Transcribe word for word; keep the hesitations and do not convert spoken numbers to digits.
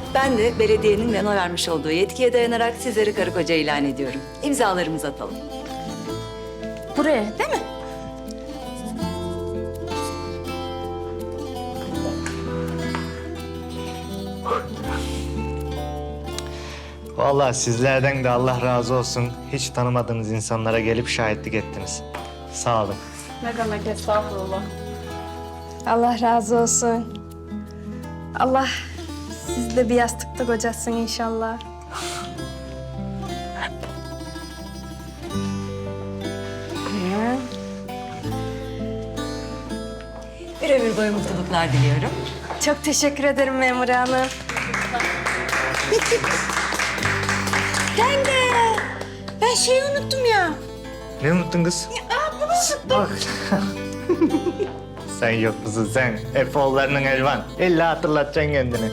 Ben de belediyenin bana vermiş olduğu yetkiye dayanarak sizleri karı koca ilan ediyorum. İmzalarımızı atalım. Buraya değil mi? Vallahi sizlerden de Allah razı olsun. Hiç tanımadığınız insanlara gelip şahitlik ettiniz. Sağ olun. Ne demek estağfurullah. Allah razı olsun. Allah sizi de bir yastıkta kocasın inşallah. Bir ömür boyu mutluluklar diliyorum. Çok teşekkür ederim memur hanım. Ben de. Ben şeyi unuttum ya. Ne unuttun kız? Aa, bunu unuttum. Bak. Sen yok musun sen? Efe oğullarının elvan. İlla hatırlatacaksın kendini.